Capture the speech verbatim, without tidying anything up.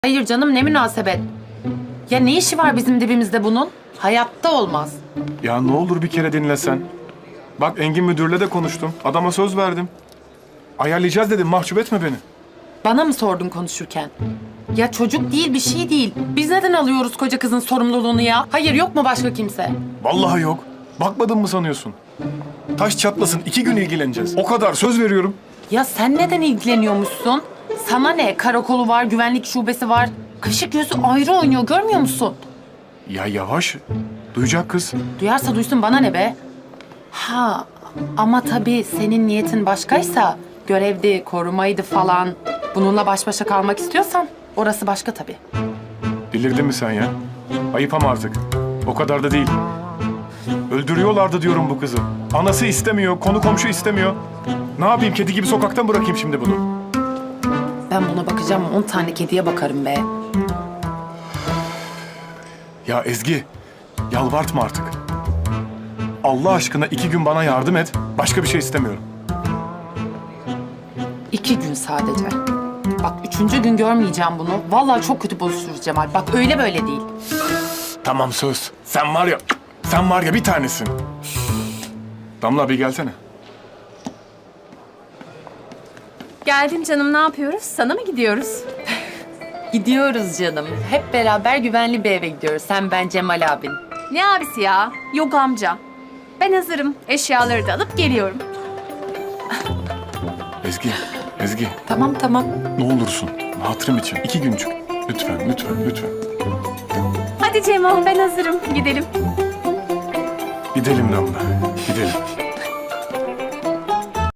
Hayır canım, ne münasebet. Ya ne işi var bizim dibimizde bunun? Hayatta olmaz. Ya ne olur bir kere dinlesen. Bak Engin müdürle de konuştum. Adama söz verdim. Ayarlayacağız dedim, mahcup etme beni. Bana mı sordun konuşurken? Ya çocuk değil, bir şey değil. Biz neden alıyoruz koca kızın sorumluluğunu ya? Hayır, yok mu başka kimse? Vallahi yok. Bakmadın mı sanıyorsun? Taş çatlasın, iki gün ilgileneceğiz. O kadar, söz veriyorum. Ya sen neden ilgileniyormuşsun? Sana ne? Karakolu var, güvenlik şubesi var. Kaşık gözü ayrı oynuyor, görmüyor musun? Ya yavaş. Duyacak kız. Duyarsa duysun, bana ne be? Ha, ama tabii senin niyetin başkaysa, görevdi, korumaydı falan. Bununla baş başa kalmak istiyorsan orası başka tabii. Delirdin mi sen ya? Ayıp ama artık. O kadar da değil. Öldürüyorlardı diyorum bu kızı. Anası istemiyor, konu komşu istemiyor. Ne yapayım, kedi gibi sokaktan bırakayım şimdi bunu? Ben buna bakacağım, on tane kediye bakarım be. Ya Ezgi, yalvartma artık. Allah aşkına iki gün bana yardım et. Başka bir şey istemiyorum. İki gün sadece. Bak üçüncü gün görmeyeceğim bunu. Vallahi çok kötü bozuşuruz Cemal. Bak öyle böyle değil. Tamam söz. Sen var ya, sen var ya bir tanesin. Damla bir gelsene. Geldim canım, ne yapıyoruz? Sana mı gidiyoruz? Gidiyoruz canım. Hep beraber güvenli bir eve gidiyoruz. Sen, ben, Cemal abin. Ne abisi ya? Yok amca. Ben hazırım. Eşyaları da alıp geliyorum. Ezgi, Ezgi Tamam tamam. ne olursun hatırım için iki güncük. Lütfen, lütfen, lütfen. Hadi Cemo, ben hazırım. Gidelim. Gidelim Damla, gidelim.